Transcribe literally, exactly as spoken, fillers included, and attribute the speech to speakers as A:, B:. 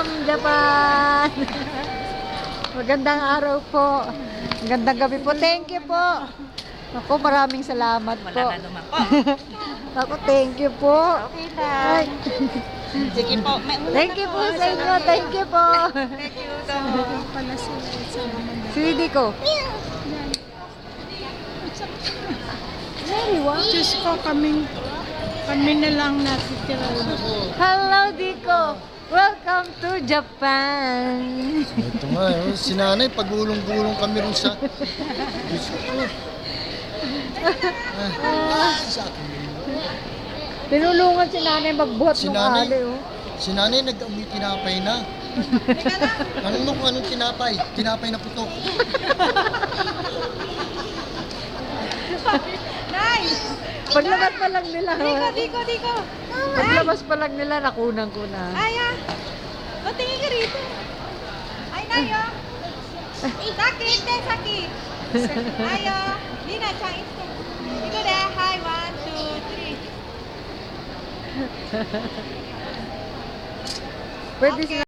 A: from Japan. Magandang araw po. Magandang gabi po. Thank you po. Ako, maraming salamat po.
B: Wala na naman po.
A: Ako, thank you po.
B: Okay lang.
A: Ay.
B: Sige po. May una
A: Thank
B: na
A: you po sa inyo. Thank you po.
B: Thank you. So,
A: Sweetie ko.
C: Diyos ko, kami, kami na lang natitira.
A: Hello, Diko. Welcome to Japan.
D: Ito nga, oh, si nanay, pagulong-gulong kami rin sa... Diyos ko. Ah, sa akin.
A: Tinulungan si nanay magbuhat
D: Si
A: ng
D: nanay,
A: ali. Oh.
D: si nanay nag-amoy tinapay na. Tanong mo kung anong tinapay? Tinapay na putok.
B: nice!
A: Paglabas pa lang nila.
B: Diko, diko, diko.
A: Paglabas pa lang nila, nakunan ko na.
B: Ay, ah. Patingin ka rito. Ay, Nayo. Saki, ite, Saki. Nayo. Lina, chan, ite. Diko de. Hi, one, two, three.
A: Pwede sila